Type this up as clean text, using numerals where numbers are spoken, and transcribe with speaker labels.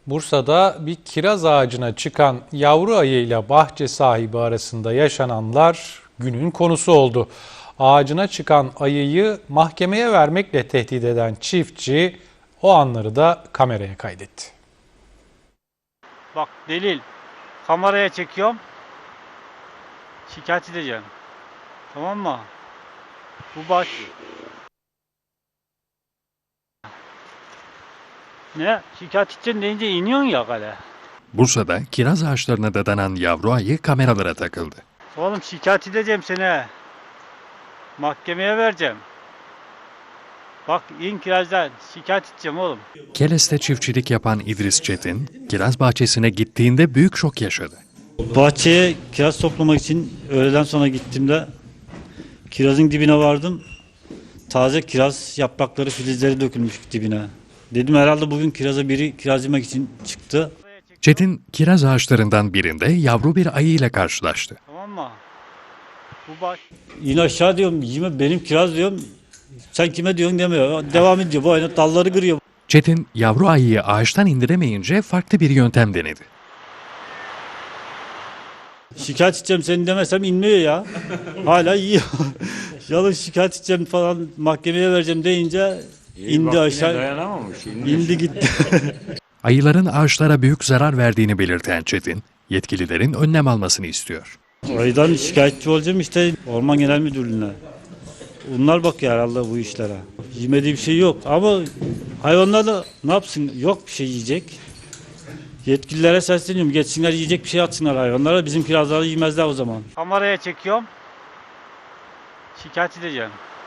Speaker 1: Bursa'da bir kiraz ağacına çıkan yavru ayıyla bahçe sahibi arasında yaşananlar günün konusu oldu. Ağacına çıkan ayıyı mahkemeye vermekle tehdit eden çiftçi o anları da kameraya kaydetti.
Speaker 2: Bak delil. Kameraya çekiyorum. Şikayet edeceğim. Tamam mı? Bu baş. Ne? Şikayet edeceğim deyince iniyorsun ya kale.
Speaker 3: Bursa'da kiraz ağaçlarına dadanan yavru ayı kameralara takıldı.
Speaker 2: Oğlum şikayet edeceğim seni. Mahkemeye vereceğim. Bak in kirazdan. Şikayet edeceğim oğlum.
Speaker 3: Keles'te çiftçilik yapan İdris Çetin, kiraz bahçesine gittiğinde büyük şok yaşadı.
Speaker 4: Bahçeye kiraz toplamak için öğleden sonra gittiğimde kirazın dibine vardım. Taze kiraz yaprakları, filizleri dökülmüş dibine. Dedim herhalde bugün kiraza biri kiraz yemek için çıktı.
Speaker 3: Çetin, kiraz ağaçlarından birinde yavru bir ayı ile karşılaştı.
Speaker 2: Tamam mı? Bu baş.
Speaker 4: İn aşağı diyorum, yeme benim kiraz diyorum. Sen kime diyorsun demiyor. Devam ediyor. Bu aynı dalları kırıyor.
Speaker 3: Çetin, yavru ayıyı ağaçtan indiremeyince farklı bir yöntem denedi.
Speaker 4: Şikayet edeceğim seni demesem inmiyor ya. Hala yiyor. Yalın şikayet edeceğim falan mahkemeye vereceğim deyince indi aşağı.
Speaker 5: Dayanamamış.
Speaker 4: İndi gitti.
Speaker 3: Ayıların ağaçlara büyük zarar verdiğini belirten Çetin, yetkililerin önlem almasını istiyor.
Speaker 4: Aydan şikayetçi olacağım işte Orman Genel Müdürlüğü'ne. Onlar bakıyor herhalde bu işlere. Yemediği bir şey yok ama hayvanlar da ne yapsın, yok bir şey yiyecek. Yetkililere sesleniyorum, geçsinler yiyecek bir şey atsınlar hayvanlara, bizim kirazları yemezler o zaman.
Speaker 2: Kameraya çekiyorum. Şikayet edeceğim.